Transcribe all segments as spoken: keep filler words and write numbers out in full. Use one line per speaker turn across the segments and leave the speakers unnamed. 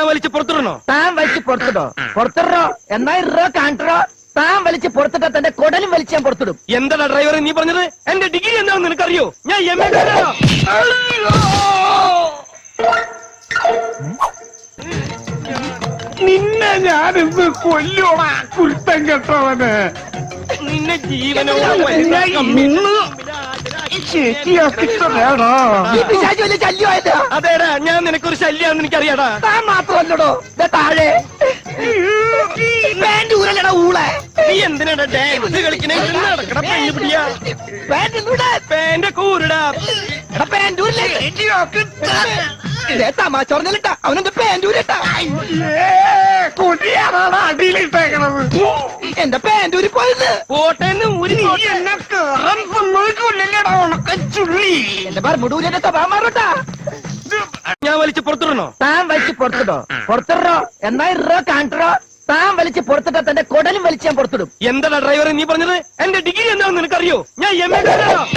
ഞാൻ വലിച്ച് പുറത്തിടണോ?
താൻ വലിച്ച് പുറത്തിടോ? പുറത്തിടോ എന്നാ ഇറോ കാണിട്ടോ. താൻ വലിച്ച് പുറത്തിട്ടാ തന്റെ കൊടലും വലിച്ച് ഞാൻ പുറത്തിടും.
എന്താടാ ഡ്രൈവർ നീ പറഞ്ഞത്? എന്റെ ഡിഗ്രി എന്താണെന്ന് നിനക്കറിയോ? ഞാൻ എം എ
നിന്നെ ഞാനിന്ന് കൊല്ലോടാ കുരുത്തം കെട്ടവന്.
നിന്നെ ജീവനോ
ശരിയാക്കിട്ടേടാ.
ഈ പിശാച് വലിയ ശല്യമായല്ലോ.
അതേടാ, ഞാൻ നിനക്കൊരു ശല്യാന്ന് എനിക്കറിയാടാ.
താൻ മാത്രമല്ലടോ ദേ താഴെ പാന്റ് ഊരല്ലടാ ഊളെ.
നീ എന്തിനാടാ ഡാൻസ് കളിക്കണേ? നടക്കട പെണ്ണു പിടിയാ.
പാന്റ് ഊടെ
പേന്റെ കൂരടാ.
എടാ പാന്റ് ഊരില്ലേ? തമാശ പറഞ്ഞിട്ടാ അവനെന്ത് പാന്റ് ഊരട്ടാ.
കൊടിയാറാണ് അടിയിലിട്ടേക്കണത്.
എന്റെ പാന്റ് ഊരി പോയത്.
പോട്ടേന്ന് ഊരി
നീ എന്നെ കേറാൻ സമ്മതിക്കില്ലല്ലേടാ ഉണക്കച്ചുള്ളി.
എന്റെ ബർമുടൂരിന്റെ സ്വഭാവം മാറൂട്ടാ.
ഞാൻ വലിച്ച് പുറത്തിടണോ?
താൻ വലിച്ച് പുറത്തിടോ? പുറത്തിടോ എന്നാ ഇറോ കാണിട്ടോ. താൻ വലിച്ച് പുറത്തിട്ടാ തന്റെ കൊടലും വലിച്ച് ഞാൻ പുറത്തിടും.
എന്താടാ ഡ്രൈവർ നീ പറഞ്ഞത്? എന്റെ ഡിഗ്രി എന്താണെന്ന് നിനക്കറിയോ? ഞാൻ എം എ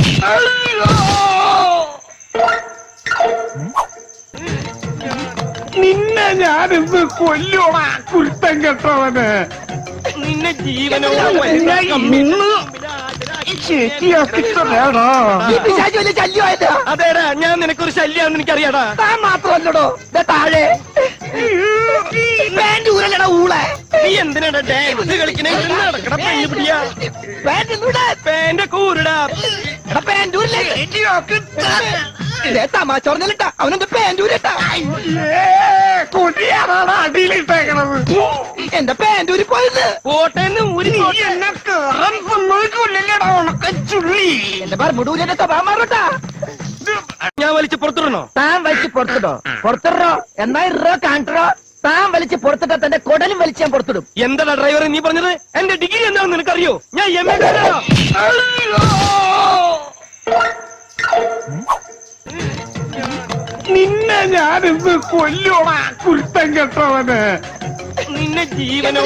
നിന്നെ ഞാനിന്ന് കൊല്ലോടാ കുരുത്തം കെട്ടവന്.
നിന്നെ ജീവനോ
ശരിയാക്കിട്ടേടാ.
ഈ പിശാച് വലിയ ശല്യമായല്ലോ.
അതേടാ, ഞാൻ നിനക്കൊരു ശല്യാന്ന് എനിക്കറിയാടാ.
താൻ മാത്രമല്ലടോ ദേ താഴെ പാന്റ് ഊരല്ലടാ ഊളെ.
നീ എന്തിനാടാ ഡാൻസ് കളിക്കണേ? നടക്കട പെണ്ണു പിടിയാ.
പാന്റ് ഊടെ
പേന്റെ കൂരടാ.
എടാ പാന്റ് ഊരില്ലേ? തമാശ പറഞ്ഞിട്ടാ അവനെന്ത് പാന്റ് ഊരട്ടാ.
കൊടിയാറാണ് അടിയിലിട്ടേക്കണത്.
എന്റെ പാന്റ് ഊരി പോയത്.
പോട്ടേന്ന് ഊരി
നീ എന്നെ കേറാൻ സമ്മതിക്കില്ലല്ലേടാ ഉണക്കച്ചുള്ളി.
എന്റെ ബർമുടൂരിന്റെ സ്വഭാവം മാറൂട്ടാ.
ഞാൻ വലിച്ച് പുറത്തിടണോ?
താൻ വലിച്ച് പുറത്തിടോ? പുറത്തിടോ എന്നാ ഇറോ കാണിട്ടോ. താൻ വലിച്ച് പുറത്തിട്ടാ തന്റെ കൊടലും വലിച്ച് ഞാൻ പുറത്തിടും.
എന്താടാ ഡ്രൈവർ നീ പറഞ്ഞത്? എന്റെ ഡിഗ്രി എന്താണെന്ന് നിനക്കറിയോ? ഞാൻ എം എ
നിന്നെ ഞാനിന്ന് കൊല്ലോടാ കുരുത്തം കെട്ടവന്.
നിന്നെ ജീവനോ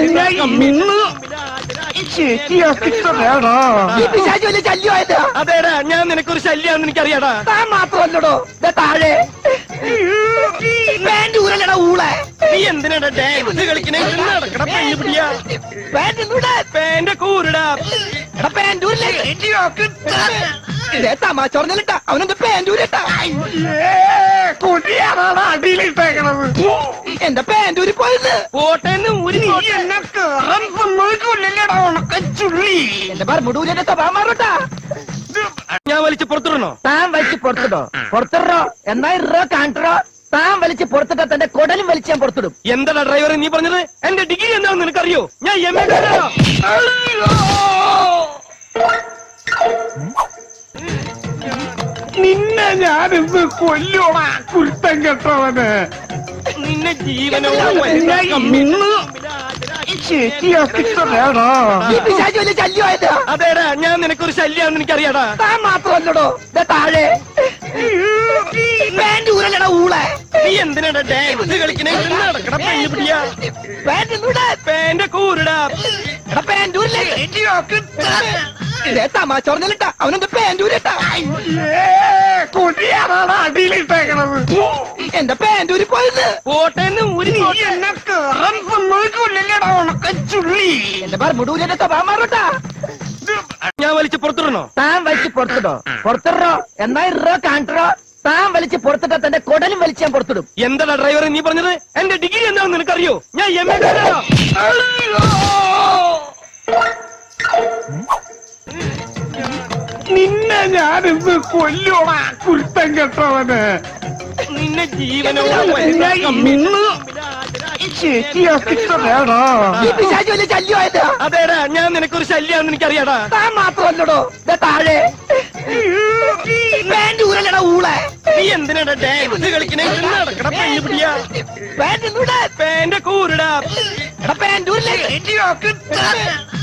ശരിയാക്കിട്ടേടാ.
ഈ പിശാച് വലിയ ശല്യമായല്ലോ.
അതേടാ, ഞാൻ നിനക്കൊരു ശല്യാന്ന് എനിക്കറിയാടാ.
താൻ മാത്രമല്ലടോ ദേ താഴെ പാന്റ് ഊരല്ലടാ ഊളെ.
നീ എന്തിനാടാ ഡാൻസ് കളിക്കണേ? നടക്കട പെണ്ണു പിടിയാ.
പാന്റ് ഊടെ
പേന്റെ കൂരടാ.
എടാ പാന്റ് ഊരില്ലേ? തമാശ പറഞ്ഞിട്ടാ അവനെന്ത് പാന്റ് ഊരട്ടാ.
കൊടിയാറാണ് അടിയിലിട്ടേക്കണത്.
എന്റെ പാന്റ് ഊരി പോയത്.
പോട്ടേന്ന് ഊരി
നീ എന്നെ കേറാൻ സമ്മതിക്കില്ലല്ലേടാ ഉണക്കച്ചുള്ളി.
എന്റെ ബർമുടൂരിന്റെ സ്വഭാവം മാറൂട്ടാ.
ഞാൻ വലിച്ച് പുറത്തിടണോ?
താൻ വലിച്ച് പുറത്തിടോ? പുറത്തിടോ എന്നാ ഇറോ കാണിട്ടോ. താൻ വലിച്ച് പുറത്തിട്ടാ തന്റെ കൊടലും വലിച്ച് ഞാൻ പുറത്തിടും.
എന്താടാ ഡ്രൈവർ നീ പറഞ്ഞത്? എന്റെ ഡിഗ്രി എന്താണെന്ന് നിനക്കറിയോ? ഞാൻ എം എ
നിന്നെ ഞാനിന്ന് കൊല്ലോടാ കുരുത്തം കെട്ടവന്.
നിന്നെ ജീവനോ
ശരിയാക്കിട്ടേടാ.
ഈ പിശാച് വലിയ ശല്യമായല്ലോ.
അതേടാ, ഞാൻ നിനക്കൊരു ശല്യാന്ന് എനിക്കറിയാടാ.
താൻ മാത്രമല്ലടോ ദേ താഴെ പാന്റ് ഊരല്ലടാ ഊളെ.
നീ എന്തിനാടാ ഡാൻസ് കളിക്കണേ? നടക്കട പെണ്ണു പിടിയാ.
പാന്റ് ഊടെ
പേന്റെ കൂരടാ.
എടാ പാന്റ് ഊരില്ലേ? തമാശ പറഞ്ഞിട്ടാ അവനെന്ത് പാന്റ് ഊരട്ടാ.
കൊടിയാറാണ് അടിയിലിട്ടേക്കണത്.
എന്റെ പാന്റ് ഊരി പോയത്.
പോട്ടേന്ന് ഊരി
നീ എന്നെ കേറാൻ സമ്മതിക്കില്ലല്ലേടാ ഉണക്കച്ചുള്ളി.
എന്റെ ബർമുടൂരിന്റെ സ്വഭാവം മാറൂട്ടാ.
ഞാൻ വലിച്ച് പുറത്തിടണോ?
താൻ വലിച്ച് പുറത്തിടോ? പുറത്തിടോ എന്നാ ഇറോ കാണിട്ടോ. താൻ വലിച്ച് പുറത്തിട്ടാ തന്റെ കൊടലും വലിച്ച് ഞാൻ പുറത്തിടും.
എന്താടാ ഡ്രൈവർ നീ പറഞ്ഞത്? എന്റെ ഡിഗ്രി എന്താണെന്ന് നിനക്കറിയോ? ഞാൻ എം എ
നിന്നെ ഞാനിന്ന് കൊല്ലോടാ കുരുത്തം കെട്ടവന്.
നിന്നെ ജീവനോ
ശരിയാക്കിട്ടേടാ.
ഈ പിശാച് വലിയ ശല്യമായല്ലോ.
അതേടാ, ഞാൻ നിനക്കൊരു ശല്യാന്ന് എനിക്കറിയാടാ.
താൻ മാത്രമല്ലടോ ദേ താഴെ പാന്റ് ഊരല്ലടാ ഊളെ.
നീ എന്തിനാടാ ഡാൻസ് കളിക്കണേ? നടക്കട പെണ്ണു പിടിയാ.
പാന്റ് ഊടെ
പേന്റെ കൂരടാ.
എടാ പാന്റ് ഊരില്ലേ?